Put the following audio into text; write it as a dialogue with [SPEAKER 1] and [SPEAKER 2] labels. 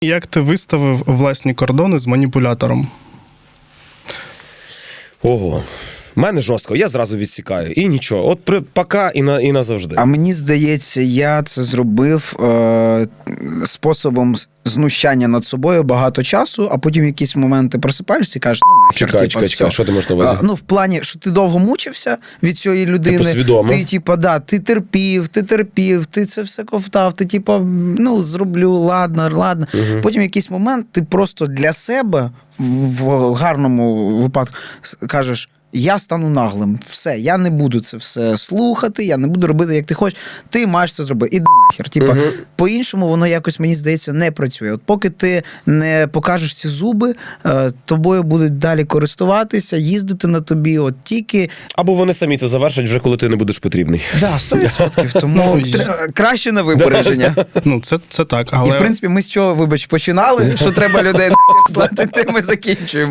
[SPEAKER 1] Як ти виставив власні кордони з маніпулятором?
[SPEAKER 2] Ого. В мене жорстко, я зразу відсікаю. І нічого. От пока і назавжди.
[SPEAKER 3] А мені здається, я це зробив способом знущання над собою багато часу, а потім в якісь моменти просипаєшся і кажеш, ну нахер,
[SPEAKER 2] Чекай, що ти маєш на увазі?
[SPEAKER 3] Ну, в плані, що ти довго мучився від цієї людини.
[SPEAKER 2] Типу свідомо.
[SPEAKER 3] Ти терпів, ти це все ковтав, ти ну, зроблю, ладно.
[SPEAKER 2] Угу.
[SPEAKER 3] Потім в якийсь момент ти просто для себе, в гарному випадку, кажеш, я стану наглим, все, я не буду це все слухати, я не буду робити, як ти хочеш, ти маєш це зробити, іди нахер. По-іншому воно якось, мені здається, не працює. От поки ти не покажеш ці зуби, тобою будуть далі користуватися, їздити на тобі, от тільки...
[SPEAKER 2] Або вони самі це завершать вже, коли ти не будеш потрібний.
[SPEAKER 3] Да, 100%, тому краще на випередження.
[SPEAKER 1] Ну, це так, але...
[SPEAKER 3] І, в принципі, ми з чого, починали, що треба людей слати, тим ми закінчуємо.